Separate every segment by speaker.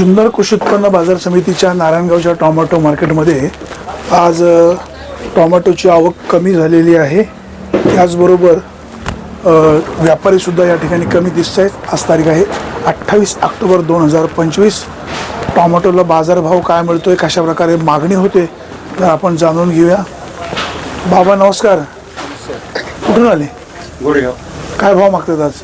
Speaker 1: जुन्नर कृषी उत्पन्न बाजार समितीच्या नारायणगावच्या टोमॅटो मार्केटमध्ये आज टोमॅटोची आवक कमी झालेली आहे. त्याचबरोबर व्यापारीसुद्धा या ठिकाणी कमी दिसत आहेत. आज तारीख आहे 28 ऑक्टोबर 2025. टोमॅटोला बाजारभाव काय मिळतोय, कशा प्रकारे मागणी होते तर आपण जाणून घेऊया. बाबा नमस्कार, कुठून आले?
Speaker 2: गोरेगाव.
Speaker 1: काय भाव मागतात आज?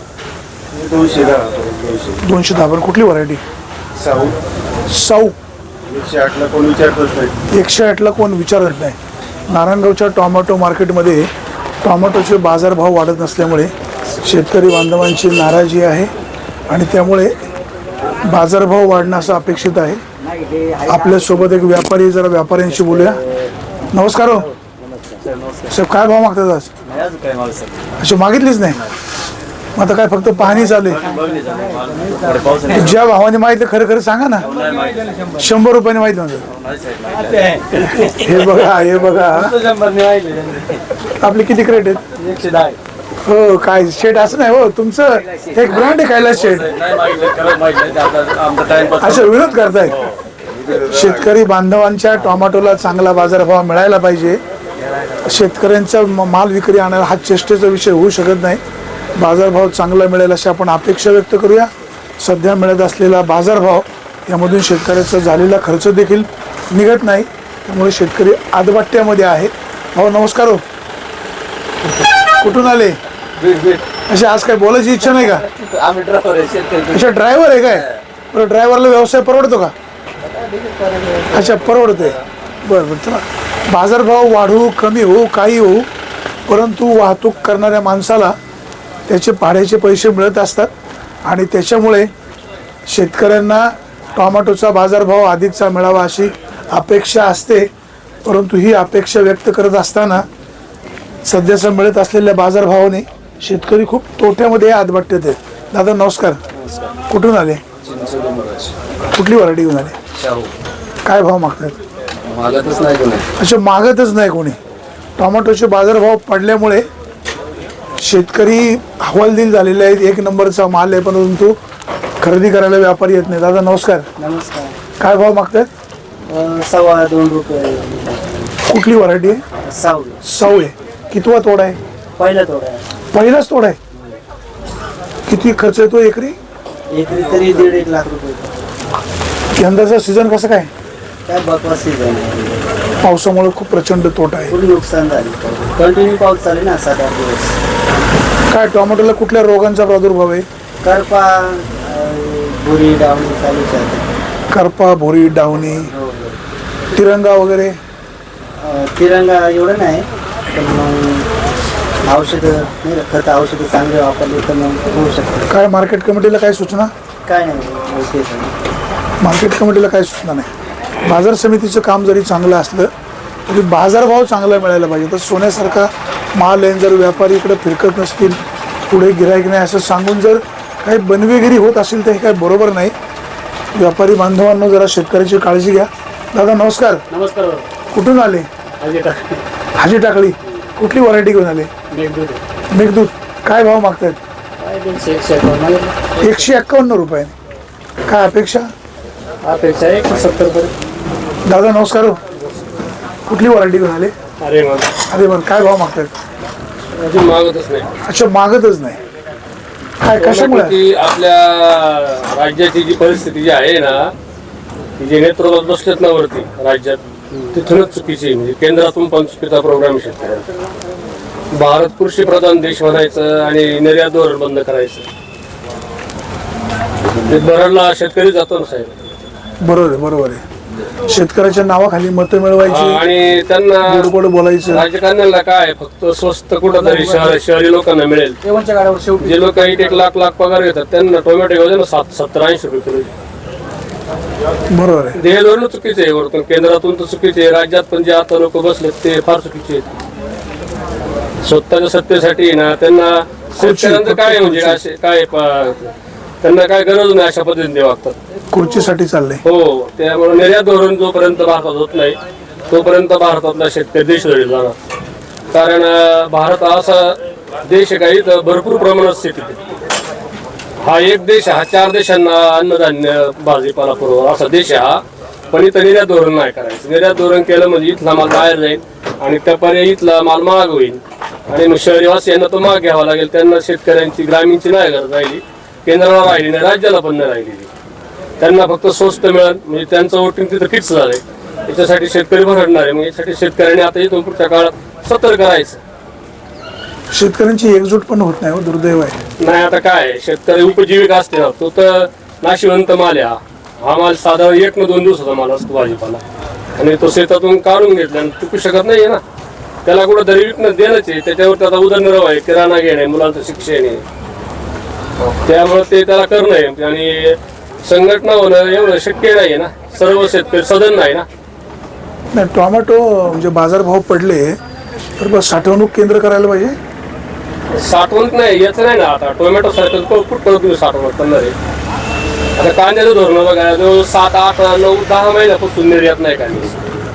Speaker 1: 210. पण कुठली व्हरायटी? साऊ.
Speaker 2: 108 ला कोण विचारतच नाही.
Speaker 1: 108 ला कोण विचारत नाही. नारायणगावच्या टोमॅटो मार्केटमध्ये टोमॅटोचे बाजारभाव वाढत नसल्यामुळे शेतकरी बांधवांची नाराजी आहे आणि त्यामुळे बाजारभाव वाढणं असं अपेक्षित आहे. आपल्यासोबत एक व्यापारी, जरा व्यापाऱ्यांशी बोलूया. नमस्कार हो साहेब, काय भाव मागतात आज? अच्छा, मागितलीच नाही. मग आता काय फक्त पाहणी चालू आहे? ज्या भावाने माहिती खरं खरं सांगा ना. 100 रुपयाने माहिती म्हणतात. हे बघा, हे बघा, आपले किती क्रेट आहेत?
Speaker 2: 110.
Speaker 1: हो, काय शेट असं नाही हो, तुमचं एक ब्रँड आहे कैलास शेट. अच्छा, विरोध करताय. शेतकरी बांधवांच्या टोमॅटोला चांगला बाजारभाव मिळायला पाहिजे. शेतकऱ्यांचा माल विक्री आणायला हा चेष्टेचा विषय होऊ शकत नाही. बाजारभाव चांगला मिळेल अशी आपण अपेक्षा व्यक्त करूया. सध्या मिळत असलेला बाजारभाव यामधून शेतकऱ्याचा झालेला खर्च देखील निघत नाही, त्यामुळे शेतकरी आदबाट्यामध्ये आहे. भाऊ नमस्कार हो, कुठून आले? अशा आज काय बोलायची इच्छा नाही का?
Speaker 2: आम्ही ड्रायव्हर आहे.
Speaker 1: अच्छा, ड्रायव्हर आहे काय? बरं, ड्रायव्हरला व्यवसाय परवडतो का? अच्छा, परवडतोय. बरं बरं, चला. बाजारभाव वाढू कमी होऊ काही होऊ, परंतु वाहतूक करणाऱ्या माणसाला त्याचे भाड्याचे पैसे मिळत असतात आणि त्याच्यामुळे शेतकऱ्यांना टोमॅटोचा बाजारभाव अधिकचा मिळावा अशी अपेक्षा असते. परंतु ही अपेक्षा व्यक्त करत असताना सध्याचा मिळत असलेल्या बाजारभावाने शेतकरी खूप तोट्यामध्ये आदबट्ट्यात आहेत. दादा नमस्कार, कुठून आले? कुठली व्हरायटी घेऊन आले? काय भाव मागतात?
Speaker 2: मागतच नाही कोणी.
Speaker 1: अच्छा, मागतच नाही कोणी. टोमॅटोचे बाजारभाव पडल्यामुळे शेतकरी हवालदिल झालेले आहेत. एक नंबरचा माल आहे, परंतु खरेदी करायला व्यापारी येत नाही. दादा नमस्कार.
Speaker 3: नमस्कार.
Speaker 1: काय भाव मागतात?
Speaker 3: 2.25 रुपये.
Speaker 1: कुठली व्हरायटी आहे? साऊ आहे. कितवा तोडा आहे?
Speaker 3: पहिला तोडा आहे.
Speaker 1: पहिलाच तोडा आहे. किती खर्च येतो एकरी?
Speaker 3: एकरी तरी 1.5 लाख रुपये.
Speaker 1: यंदाचा सीझन कसं काय?
Speaker 3: काय बकवास सीझन आहे.
Speaker 1: पावसामुळे खूप प्रचंड तोटा आहे.
Speaker 3: खूप नुकसान झाले. कंटिन्यू पाऊस चालू ना 7-8 दिवस.
Speaker 1: काय टोमॅटोला कुठल्या रोगांचा प्रादुर्भाव आहे?
Speaker 3: करपा, भुरी, डावणी चालूच आहे.
Speaker 1: करपा, भुरी, डावणी, तिरंगा वगैरे?
Speaker 3: तिरंगा एवढं नाही, पण मग औषधं नाही, खत औषधं चांगले वापरले तर मग होऊ शकतं.
Speaker 1: काय मार्केट कमिटीला काय सूचना?
Speaker 3: काय नाही,
Speaker 1: मार्केट कमिटीला काय सूचना नाही. बाजार समितीचं काम जरी चांगलं असलं तरी बाजारभाव चांगला मिळायला पाहिजे. तर सोन्यासारखा माल आहे, जर व्यापारी इकडे फिरकत नसतील, पुढे गिराईक नाही असं सांगून जर काही बनवेगिरी होत असेल तर हे काही बरोबर नाही. व्यापारी बांधवांना जरा शेतकऱ्याची काळजी घ्या. दादा नमस्कार.
Speaker 3: नमस्कार.
Speaker 1: कुठून आले? हाजी टाकळी. कुठली व्हरायटी घेऊन आले? मेघदूत. काय भाव मागतायत? 151 रुपये. काय अपेक्षा?
Speaker 3: 170 रुपये.
Speaker 1: दादा नमस्कार हो, कुठली व्हरायटी घेऊन आले? अरे बरं, काय भाव मागतायत?
Speaker 2: अजून मागतच नाही.
Speaker 1: अच्छा, मागतच नाही. काय कशामुळे?
Speaker 2: आपल्या राज्याची जी परिस्थिती जी आहे ना, ती जे नेतृत्वात बसलेत ना वरती राज्यात, तिथूनच चुकीची. म्हणजे केंद्रातून पण चुकीचा प्रोग्राम शेतकऱ्यांचा. भारत कृषी प्रधान देश म्हणायचं आणि निर्यात धोरण बंद करायचं. बरडला शेतकरी जातो ना साहेब.
Speaker 1: बरोबर आहे, बरोबर आहे. शेतकऱ्याच्या नावाखाली मतं मिळवायची
Speaker 2: आणि त्यांना
Speaker 1: गोड बोलायचं.
Speaker 2: राजकारण्याला काय फक्त स्वस्त कुठंतरी शहरी लोकांना मिळेल. जे लोक 1 लाख पगार घेतात त्यांना टोमॅटो योजना 70-80 रुपये किलो.
Speaker 1: बरोबर आहे.
Speaker 2: हे धोरण चुकीचे आहे. वरतून केंद्रातून तर चुकीचे आहे, राज्यात पण जे आता लोक बसलेत ते फार चुकीचे आहेत. स्वतःच्या सत्तेसाठी ना त्यांना शेतकऱ्यांचं काय म्हणजे असे काय त्यांना काय गरज नाही अशा पद्धतीने वागतात.
Speaker 1: खुर्चीसाठी चाललंय.
Speaker 2: हो, त्यामुळे निर्यात धोरण जोपर्यंत भारतात होत नाही तोपर्यंत भारतातला शेतकरी देश धडील जाणार. कारण भारत असा देश आहे काही तर भरपूर प्रमाणात शेती. हा एक देश, हा 4 देशांना अन्नधान्य भाजीपाला पुरवतो असा देश आहे हा. पण इथं निर्यात धोरण नाही करायचं. निर्यात धोरण केलं म्हणजे इथला माल बाहेर जाईल आणि त्या पर्यायी इथला माल महाग होईल आणि मग शहरीवासियांना तो महाग घ्यावा लागेल. त्यांना शेतकऱ्यांची ग्रामीणची नाही गरज राहिली, केंद्राला राहिली नाही, राज्याला पण नाही राहिली. त्यांना फक्त स्वस्त मिळेल म्हणजे त्यांचं वोटिंग तिथं फिक्स झालंय. याच्यासाठी शेतकरी भरडणार आहे. मग यासाठी शेतकऱ्यांनी आता इथून पुढच्या काळात सतर्क राहायचं.
Speaker 1: शेतकऱ्यांची एकजूट पण होत नाही, दुर्दैव आहे.
Speaker 2: नाही आता काय शेतकरी उपजीविका असते ना, तो तर नाशिवंत माल आहे. हा माल साधारण 1 न 2 दिवसाचा माल असतो भाजीपाला आणि तो शेतातून काढून घेतला आणि टिकू शकत नाहीये ना. त्याला कुठं तरी विकणं देणंच आहे. त्याच्यावर त्याचा उदरनिर्वाह आहे, किराणा घेणे, मुलांचं शिक्षण आहे. त्यामुळे ते त्याला करणं आहे आणि संघटना होणं एवढं शक्य नाही ना. सर्व शेतकरी सदन नाही ना.
Speaker 1: नाही, टोमॅटो म्हणजे बाजारभाव पडले तर बस साठवणूक केंद्र करायला पाहिजे.
Speaker 2: साठवणूक नाही याचं नाही ना. आता टोमॅटो सारखं कुठं तुम्ही साठवणूक करणार आहे. आता कांद्याचं धोरण बघा, जवळ 7, 8, 9, 10 महिन्यापासून निर्यात नाही कांदे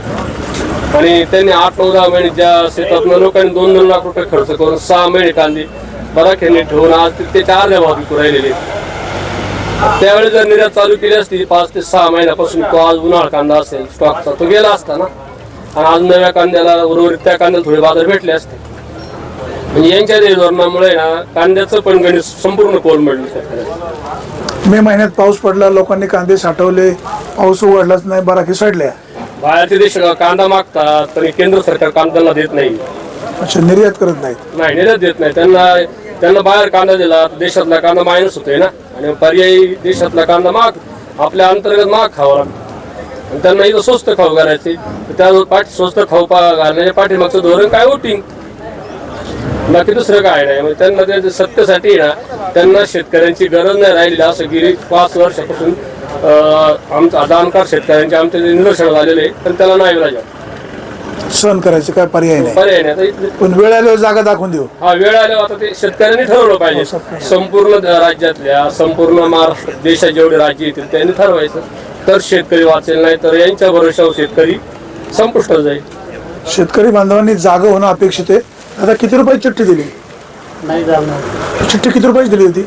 Speaker 2: आणि त्यांनी 8, 9, 10 महिने ज्या शेतातनं लोकांनी 2-2 लाख रुपये खर्च करून 6 महिने कांदे बराखेने ठेवून आज त्याच्या अर्ध्या भाव विकू राहिलेले. त्यावेळी जर निर्यात चालू केली असती 5 ते 6 महिन्यापासून, तो आज उन्हाळा कांदा असेल स्टॉकचा, तो गेला असता ना. आणि आज नव्या कांद्याला उर्वरित त्या कांद्याला थोडे बाजार भेटले असते. म्हणजे यांच्या धोरणामुळे ना कांद्याचं पण गणित संपूर्ण कोलमडलं शेतकऱ्याचं.
Speaker 1: मे महिन्यात पाऊस पडला, लोकांनी कांदे साठवले, पाऊस उघडलाच नाही, बराकी सडल्या.
Speaker 2: बाहेरचे देश कांदा मागतात तरी केंद्र सरकार कांद्याला देत नाही.
Speaker 1: अच्छा, निर्यात करत नाहीत.
Speaker 2: नाही, निर्यात देत नाही. त्यांना बाहेर कांदा दिला देशातला कांदा मायनस होतोय ना आणि पर्यायी देशातला कांदा महाग, आपल्या अंतर्गत महाग खावा लागतो आणि त्यांना इथं स्वस्त खाऊ घालायचे. त्या स्वस्त खाऊ घालण्याच्या पाठीमागचं धोरण काय वोटिंग, बाकी दुसरं काय नाही. म्हणजे त्यांना त्या सत्तेसाठी ना त्यांना शेतकऱ्यांची गरज नाही राहिलेली. असं गेली 5 वर्षापासून आमचा जाणकार शेतकऱ्यांचे आमचे निदर्शन झालेले, पण त्याला नाही विलाज
Speaker 1: सहन करायचं काय पर्याय नाही.
Speaker 2: पर्याय नाही.
Speaker 1: पण वेळ आल्यावर जागा दाखवून देऊ.
Speaker 2: हा वेळ आल्यावर आता ते शेतकऱ्यांनी ठरवलं पाहिजे. संपूर्ण राज्यातल्या, संपूर्ण महाराष्ट्र देशात जेवढे राज्य येतील त्यांनी ठरवायचं, तर शेतकरी वाचेल. नाही तर यांच्या भरोशावर शेतकरी संपुष्टात जाईल.
Speaker 1: शेतकरी बांधवांनी जागा होणं अपेक्षित आहे. आता किती रुपयाची चिठ्ठी दिली?
Speaker 3: नाही जाणार.
Speaker 1: चिठ्ठी किती रुपयाची दिली होती?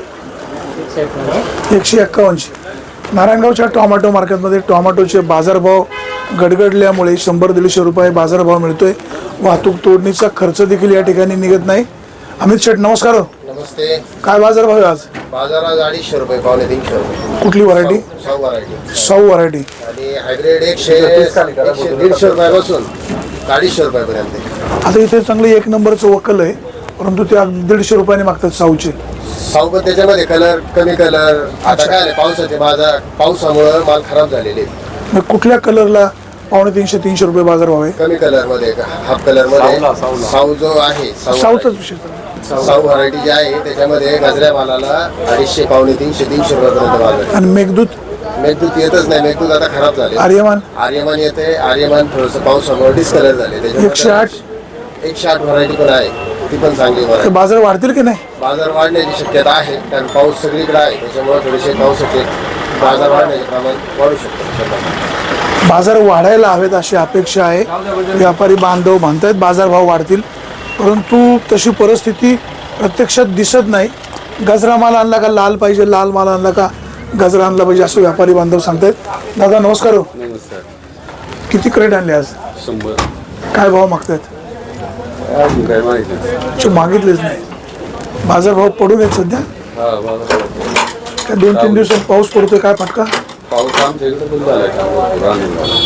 Speaker 1: 151ची. नारायणगावच्या टोमॅटो मार्केटमध्ये टोमॅटोचे बाजारभाव गडगडल्यामुळे 100-150 रुपये बाजारभाव मिळतोय. वाहतूक तोडणीचा खर्च देखील या ठिकाणी निघत नाही. अमित शेठ नमस्कार.
Speaker 4: नमस्ते.
Speaker 1: काय बाजारभाव आहे आज?
Speaker 4: बाजारात 250 रुपये, 250 रुपये.
Speaker 1: कुठली व्हरायटी?
Speaker 4: सौ व्हरायटी.
Speaker 1: सौ व्हरायटी.
Speaker 4: आणि हायब्रिड 100-150 रुपयापासून 250 रुपयापर्यंत.
Speaker 1: आता इथे चांगलं 1 नंबरचं वकल आहे, परंतु ते 150 रुपयाने मागतात साऊचे.
Speaker 4: सौ पण त्याच्यामध्ये कलर कमी कलर. आता काय नाही, पावसाचे बाजार, पावसामुळे माल खराब झालेले.
Speaker 1: मग कुठल्या कलरला 250-300 रुपये बाजारभाव आहे?
Speaker 4: कमी कलर मध्ये, हाफ कलर मध्ये साऊ जो आहे,
Speaker 1: साऊचाच विषय.
Speaker 4: साऊ व्हरायटी जी आहे त्याच्यामध्ये गजऱ्या मालाला 250, 300 रुपयापर्यंत बाजार.
Speaker 1: आणि मेघदूत?
Speaker 4: मेघदूत येतच नाही. मेघदूत आता खराब झाले.
Speaker 1: आर्यमान?
Speaker 4: आर्यमान येते. आर्यमान थोडंसं पावसामुळे डिस्कलर झाले. 108 व्हरायटी पण आहे, ती पण चांगली व्हरायटी.
Speaker 1: बाजार वाढतील की नाही?
Speaker 4: बाजार वाढण्याची शक्यता आहे, कारण पाऊस सगळीकडे आहे. त्याच्यामुळे थोडेसे पावसाचे बाजार वाढण्याचे प्रमाण वाढू शकतो.
Speaker 1: बाजार वाढायला हवेत अशी अपेक्षा आहे. व्यापारी बांधव म्हणतायत बाजारभाव वाढतील, परंतु तशी परिस्थिती प्रत्यक्षात दिसत नाही. गजरा माल आणला का लाल पाहिजे, लाल माल आणला का गजरा आणला पाहिजे, असं व्यापारी बांधव सांगतायत. दादा नमस्कार.
Speaker 2: नमस्कार.
Speaker 1: किती क्रेट आणले आज?
Speaker 2: 100.
Speaker 1: काय भाव मागतायत?
Speaker 2: काय माहिती
Speaker 1: मागितलेच नाही. बाजारभाव पडून आहेत सध्या. काय 2-3 दिवसात पाऊस पडतोय, काय फटका?
Speaker 2: पाऊस आमच्या इकडे पण झालाय.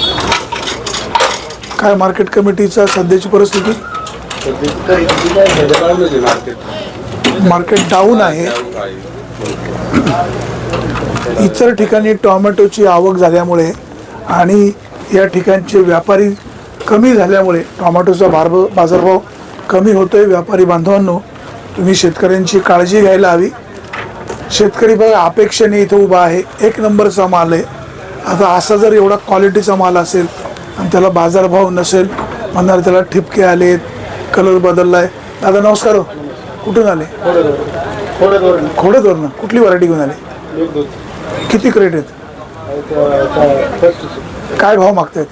Speaker 1: काय मार्केट कमिटीचा सध्याची परिस्थिती? मार्केट डाऊन आहे. इतर ठिकाणी टोमॅटोची आवक झाल्यामुळे आणि या ठिकाणचे व्यापारी कमी झाल्यामुळे टोमॅटोचा बाजारभाव कमी होतोय. व्यापारी बांधवांनो, तुम्ही शेतकऱ्यांची काळजी घ्यायला हवी. शेतकरी बघा अपेक्षेने इथं उभा आहे. 1 नंबरचा माल आहे. आता असा जर एवढा क्वालिटीचा माल असेल आणि त्याला बाजारभाव नसेल, म्हणणार त्याला ठिपके आलेत, कलर बदललाय. दादा नमस्कार. कुठून आले? खोडदवरनं. कुठली व्हरायटी घेऊन आले? किती क्रेट आहेत? काय भाव मागतायत?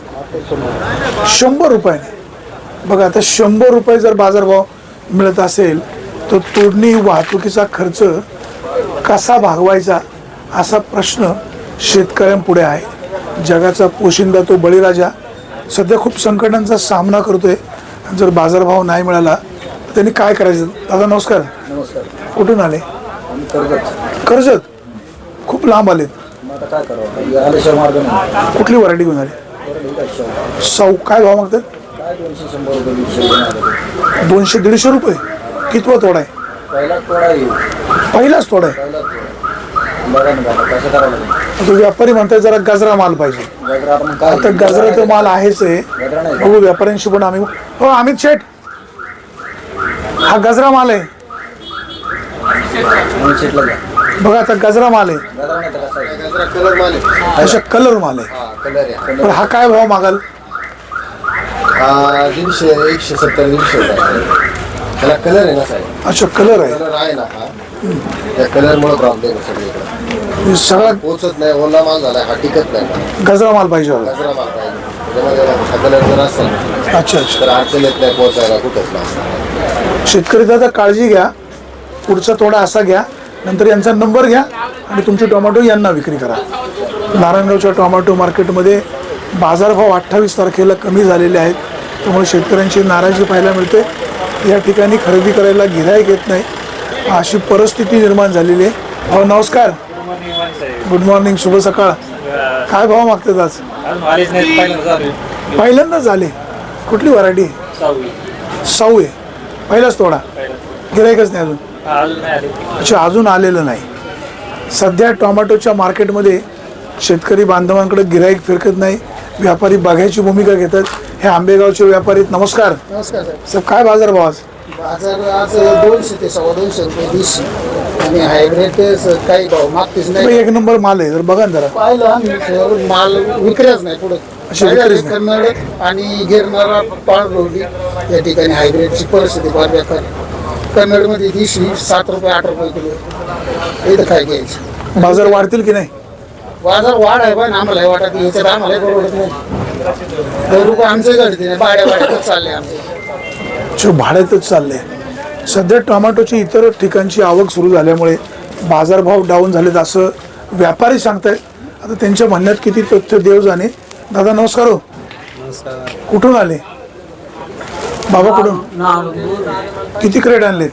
Speaker 1: 100 रुपयाने. बघा आता 100 रुपये जर बाजारभाव मिळत असेल तर तोडणी वाहतुकीचा खर्च कसा भागवायचा असा प्रश्न शेतकऱ्यांपुढे आहे. जगाचा पोशिंदा तो बळीराजा सध्या खूप संकटांचा सामना करतोय. जर बाजारभाव नाही मिळाला तर त्यांनी काय करायचं? दादा नमस्कार.
Speaker 3: नमस्कार.
Speaker 1: कुठून आले? कर्जत. खूप लांब आलेत.
Speaker 3: आता काय करावं, आल्याशिवाय मार्ग नाही.
Speaker 1: कुठली व्हरायटी घेऊन आले? सौ. काय भाव मागतात?
Speaker 3: काय 200-100 रुपये
Speaker 1: 200-150 रुपये. कितवा तोडा आहे?
Speaker 3: पहिला तोडा येईल.
Speaker 1: पहिलाच तोडा आहे.
Speaker 3: बघा ना बाबा कसं करावं लागेल.
Speaker 1: तो व्यापारी म्हणतात जरा गजरा माल पाहिजे.
Speaker 3: गजरा आपण काय
Speaker 1: आता गजरा तर माल आहेच आहे.
Speaker 3: गजरा नाही
Speaker 1: बघू व्यापाऱ्यांशी पण आम्ही. हो अमित शेठ, हा गजरा माल आहे
Speaker 3: म्हणून शेटला घ्या.
Speaker 1: बघा. आता गजरा माल आहे.
Speaker 3: गजरा नाही तर कसं आहे?
Speaker 4: जरा कलर माल आहे.
Speaker 1: अशा कलर माल आहे.
Speaker 4: हा कलर आहे.
Speaker 1: पण हा काय भाव मागाल?
Speaker 4: 150, 170, 150 रुपये. त्याला कलर आहे ना साहेब.
Speaker 1: अच्छा कलर आहे.
Speaker 4: कलर आहे ना हा. त्या कलरमुळे प्रॉब्लेम आहे सगळीकडे.
Speaker 1: हे सगळा
Speaker 4: पोचत नाही, ओला माल झाला, हा टिकत नाही.
Speaker 1: गजरा माल पाहिजे होता.
Speaker 4: गजरा माल पाहिजे. त्याच्यामध्ये हा कलर जर असेल
Speaker 1: अच्छा अच्छा.
Speaker 4: तर अडचण येत नाही पोचायला कुठंच नाही.
Speaker 1: शेतकरी दादा काळजी घ्या. पुढचा तोडा असा घ्या, नंतर यांचा नंबर घ्या आणि तुमचे टोमॅटो यांना विक्री करा. नारायणगावच्या टोमॅटो मार्केटमध्ये बाजारभाव 28 तारखेला कमी झालेले आहेत. त्यामुळे शेतकऱ्यांची नाराजी पाहायला मिळते. या ठिकाणी खरेदी करायला गिऱ्हाईक येत नाही, अशी परिस्थिती निर्माण झालेली आहे. हो नमस्कार. गुड मॉर्निंग, शुभ सकाळ. काय भाव मागतात आज? पहिल्यांदाच झाले. कुठली व्हरायटी? साऊ आहे. पहिलाच तोडा. गिऱ्हाईकच नाही अजून. अच्छा अजून आलेलं नाही. सध्या टोमॅटोच्या मार्केटमध्ये शेतकरी बांधवांकडे गिऱ्हाईक फिरकत नाही. व्यापारी बघायची भूमिका घेतात. हे आंबेगावचे व्यापारी. नमस्कार.
Speaker 3: नमस्कार.
Speaker 1: सर काय बाजार भाव आज?
Speaker 3: बाजार आज 200 ते 250 रुपये दिवशी आणि हायब्रिड काही भाव मागतेच नाही.
Speaker 1: एक नंबर माल आहे. जर बघा ना जरा.
Speaker 3: पाहिलं आम्ही माल विक्रीच नाही पुढे.
Speaker 1: अशी विक्रीच नाही.
Speaker 3: कन्नड आणि गिरणारा पांढरवली या ठिकाणी हायब्रिडची परिस्थिती फार बेकार आहे. कन्नडमध्ये दिवशी 7 रुपये 8 रुपये किलो. इथं काय घ्यायचं?
Speaker 1: बाजार वाढतील की नाही?
Speaker 3: बाजार वाढ आहे पण आम्हाला हे वाटत याच्यात आम्हाला परवडत नाही. 2 रुपये आमचे घडते नाही. भाड्यातच चालले आमचे.
Speaker 1: जो भाड्यातच चालले. सध्या टोमॅटोची इतर ठिकाणची आवक सुरू झाल्यामुळे बाजारभाव डाऊन झालेत असं व्यापारी सांगतायत. आता त्यांच्या म्हणण्यात किती तथ्य देव जाणे. दादा नमस्कार. हो कुठून आले? बाबा कुठून? किती क्रेट आणलेत?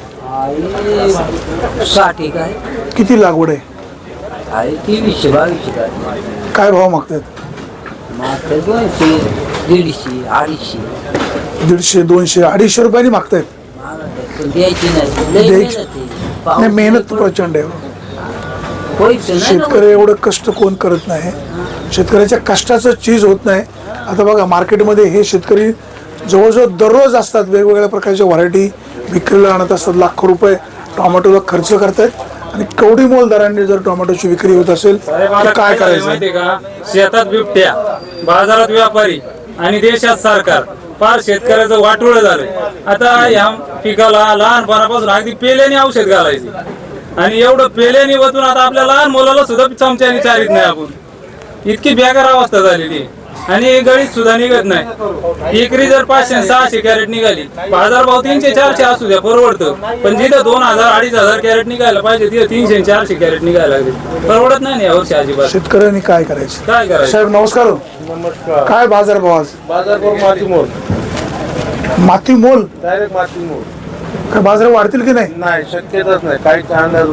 Speaker 5: 60 काय
Speaker 1: किती लागवड आहे?
Speaker 5: आहे 23-22 काय
Speaker 1: काय भाव मागतात?
Speaker 5: मात्र 200, 150, 250.
Speaker 1: 150, 200, 250 रुपयांनी मागतायत.
Speaker 5: पण द्यायची नाही. लय
Speaker 1: द्यायची.
Speaker 5: मेहनत आहे.
Speaker 1: नाही
Speaker 5: पाऊस
Speaker 1: मेहनत प्रचंड आहे.
Speaker 5: पैसे नाही ना.
Speaker 1: शेतकरी एवढं कष्ट कोण करत नाही. शेतकऱ्याच्या कष्टाचं चीज होत नाही. आता बघा मार्केटमध्ये हे शेतकरी जवळजवळ दररोज असतात. वेगवेगळ्या प्रकारच्या व्हरायटी विक्रीला आणत असतात. लाखो रुपये टोमॅटोला खर्च करतायत आणि कवडी मोल दरांनी जर टोमॅटोची विक्री होत असेल तर काय करायचं?
Speaker 6: माहिती का? शेतात बिबट्या, बाजारात व्यापारी आणि देशात सरकार फार शेतकऱ्याचं वाटोळं झालंय. आता या पिकाला लहानपणापासून अगदी पेल्याने औषध घालायची आणि एवढं पेल्याने वतून आता आपल्या लहान मुलाला सुद्धा चमच्याने चारित नाही आपण. इतकी बेकार अवस्था झालेली आणि गळीत सुद्धा निघत नाही. एकरी जर 500-600 कॅरेट निघाली, बाजारभाव 300-400 असू द्या परवडतं. पण जिथं 2000-2500 कॅरेट निघायला पाहिजे तिथं 300-400 कॅरेट निघायला लागले. परवडत नाही यावर्षी अजिबात.
Speaker 1: शेतकऱ्यांनी काय करायचं?
Speaker 6: काय करायचं?
Speaker 1: साहेब नमस्कार.
Speaker 7: नमस्कार.
Speaker 1: काय बाजार भाव आज?
Speaker 7: बाजार करून माती मोल,
Speaker 1: माती मोल.
Speaker 7: डायरेक्ट माती मोल.
Speaker 1: काय बाजार वाढतील की नाही?
Speaker 7: नाही शक्यताच नाही. काही अंदाज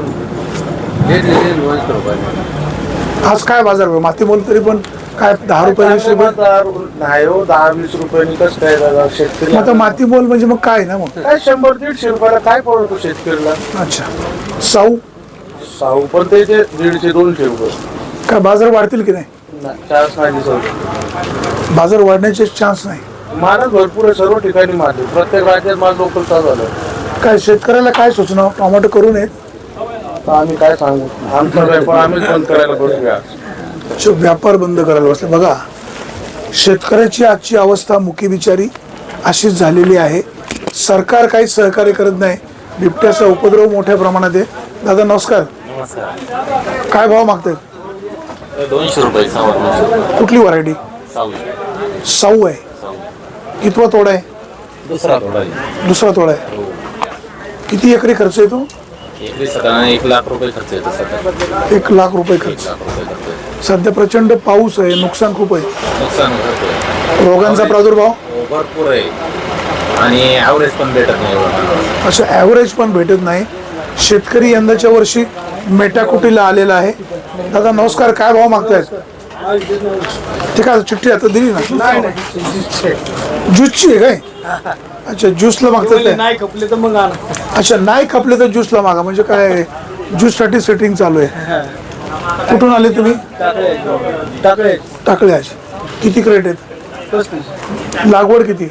Speaker 1: आज काय बाजार भाव? माती मोल तरी पण काय 10 रुपये 20 रुपये?
Speaker 7: नाही हो, 10-20 रुपयांनी कसं काय दादा शेतकरी?
Speaker 1: मग आता माती मोल म्हणजे मग काय ना मग?
Speaker 7: काय 100-150 रुपयाला काय पडतो शेतकऱ्याला?
Speaker 1: अच्छा साऊ.
Speaker 7: साऊ पण त्याचे 150-200 रुपये.
Speaker 1: काय बाजार वाढतील की नाही?
Speaker 7: चान्स नाही दिसत.
Speaker 1: बाजार वाढण्याचे चान्स नाही.
Speaker 7: मालच भरपूर आहे सर्व ठिकाणी. माल प्रत्येक राज्यात माल लोकल चालू झालं.
Speaker 1: काय शेतकऱ्याला काय सूचना? टोमॅटो करू नयेत.
Speaker 7: तर आम्ही काय सांगू? आमचा व्यापार आम्हीच बंद करायला बसूया.
Speaker 1: व्यापार बंद करायला बसले. बघा शेतकऱ्याची आजची अवस्था मुकी बिचारी अशीच झालेली आहे. सरकार काही सहकार्य करत नाही. बिबट्याचा उपद्रव मोठ्या प्रमाणात आहे. दादा नमस्कार. काय भाव मागतात?
Speaker 8: 200 रुपये सावर.
Speaker 1: कुठली व्हरायटी? साऊ आहे. कितवा तोडा आहे?
Speaker 8: दुसरा थोडा आहे.
Speaker 1: दुसरा तोडा आहे. किती एकरी खर्च येतो?
Speaker 8: एकरी साधारण 1 लाख रुपये खर्च येतो सध्या.
Speaker 1: 1 लाख रुपये खर्च.
Speaker 8: 1 लाख रुपये खर्च येतो.
Speaker 1: सध्या प्रचंड पाऊस आहे, नुकसान खूप आहे.
Speaker 8: नुकसान होतं.
Speaker 1: रोगांचा प्रादुर्भाव
Speaker 8: भरपूर आहे आणि ॲव्हरेज पण भेटत नाही एवढं.
Speaker 1: असं ॲव्हरेज पण भेटत नाही. शेतकरी यंदाच्या वर्षी मेटाकुटीला आलेला आहे. दादा नमस्कार, काय भाव मागतायत? ते काय चिठ्ठी आता दिली ना, ज्यूसची आहे काय? अच्छा, ज्यूसला मागतात काय?
Speaker 7: नाही खपले तर मग आणा.
Speaker 1: अच्छा, नाही खपले तर ज्यूसला मागा. म्हणजे काय ज्यूससाठी सेटिंग चालू आहे. कुठून आले तुम्ही?
Speaker 7: टाकळे
Speaker 1: टाकळे. किती क्रेट आहेत?
Speaker 7: 35
Speaker 1: लागवड किती?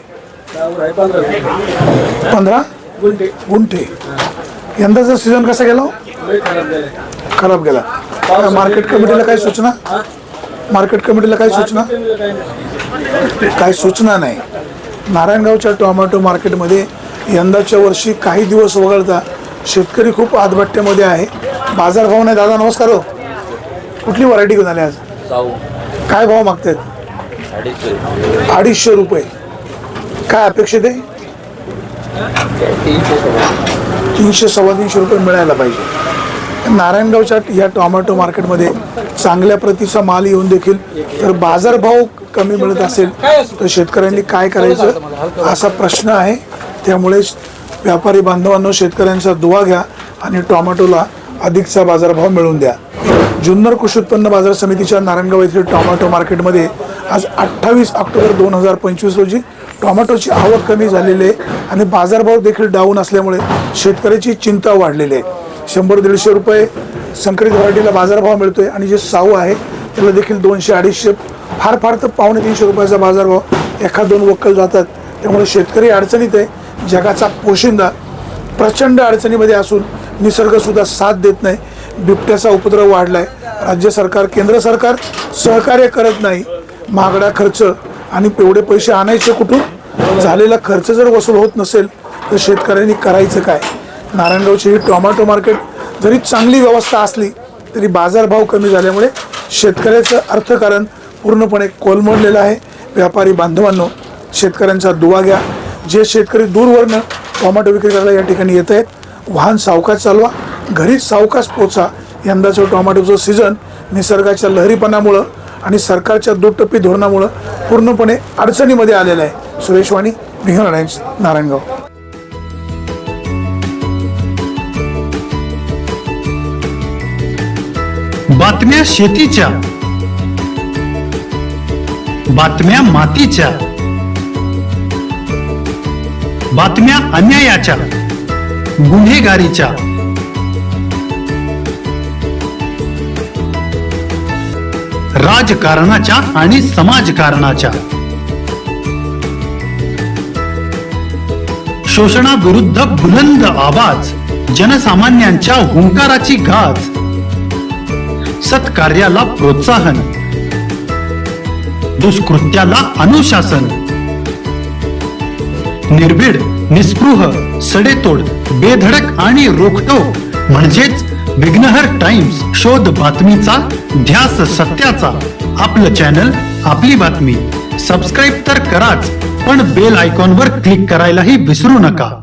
Speaker 1: 15 गुंठे. यंदाचा सीझन कसा गेला? खराब गेला. मार्केट कमिटीला काय सूचना? मार्केट कमिटीला काय सूचना? काय सूचना नाही. नारायणगावच्या टोमॅटो मार्केटमध्ये यंदाच्या वर्षी काही दिवस वगळता शेतकरी खूप आदबट्ट्यामध्ये आहे. बाजारभाव नाही. दादा नमस्कार. हो, कुठली व्हरायटी घेऊन आले आज? काय भाव मागतायत? 250 रुपये. काय अपेक्षित आहे? 300-325 रुपये मिळायला पाहिजे. नारायणगावच्या या टोमॅटो मार्केटमध्ये चांगल्या प्रतीचा माल येऊन देखील जर बाजारभाव कमी मिळत असेल तर शेतकऱ्यांनी काय करायचं असा प्रश्न आहे. त्यामुळे व्यापारी बांधवांनो, शेतकऱ्यांचा दुवा घ्या आणि टोमॅटोला अधिकचा बाजारभाव मिळवून द्या. जुन्नर कृषी उत्पन्न बाजार समितीच्या नारायणगाव येथील टोमॅटो मार्केटमध्ये आज 28 ऑक्टोबर 2025 रोजी टोमॅटोची आवक कमी झालेली आहे आणि बाजारभाव देखील डाऊन असल्यामुळे शेतकऱ्याची चिंता वाढलेली आहे. 100-150 रुपये संकरित व्हरायटीला बाजारभाव मिळतोय आणि जे साऊ आहे त्याला देखील 200-250, फार फार तर 250 रुपयाचा बाजारभाव. एखाद दोन वक्कल जातात. त्यामुळे शेतकरी अडचणीत आहे. जगाचा पोशिंदा प्रचंड अडचणीमध्ये असून निसर्गसुद्धा साथ देत नाही. बिबट्याचा उपद्रव वाढलाय. राज्य सरकार, केंद्र सरकार सहकार्य करत नाही. महागडा खर्च आणि एवढे पैसे आणायचे कुठून? झालेला खर्च जर वसूल होत नसेल तर शेतकऱ्यांनी करायचं काय? नारायणगावची ही टोमॅटो मार्केट जरी चांगली व्यवस्था असली तरी बाजारभाव कमी झाल्यामुळे शेतकऱ्याचं अर्थकारण पूर्णपणे कोलमडलेलं आहे. व्यापारी बांधवांनो, शेतकऱ्यांचा दुवा घ्या. जे शेतकरी दूरवरनं टोमॅटो विक्री करायला या ठिकाणी येत आहेत, वाहन सावकाश चालवा, घरीच सावकाश पोचा. यंदाचं टोमॅटोचं सीझन निसर्गाच्या लहरीपणामुळं आणि सरकारच्या दुटप्पी धोरणामुळं पूर्णपणे अडचणीमध्ये आलेलं आहे. सुरेश वाणी, निहाल टाइम्स, नारायणगाव.
Speaker 9: बातम्या शेतीच्या, बातम्या मातीच्या, बातम्या अन्यायाच्या, गुन्हेगारीच्या, राजकारणाच्या आणि समाजकारणाच्या, शोषणाविरुद्ध बुलंद आवाज, जनसामान्यांच्या हुंकाराची गाज, सत्कार्याला प्रोत्साहन, दुष्कृत्याला अनुशासन, निर्भीड, निस्पृह, सडेतोड, बेधडक आणि रोखटोक म्हणजेच विघ्नहर टाइम्स. शोध बातमीचा, ध्यास सत्याचा. आपलं चॅनल, आपली बातमी. सबस्क्राईब तर कराच, पण बेल आयकॉनवर क्लिक करायलाही विसरू नका.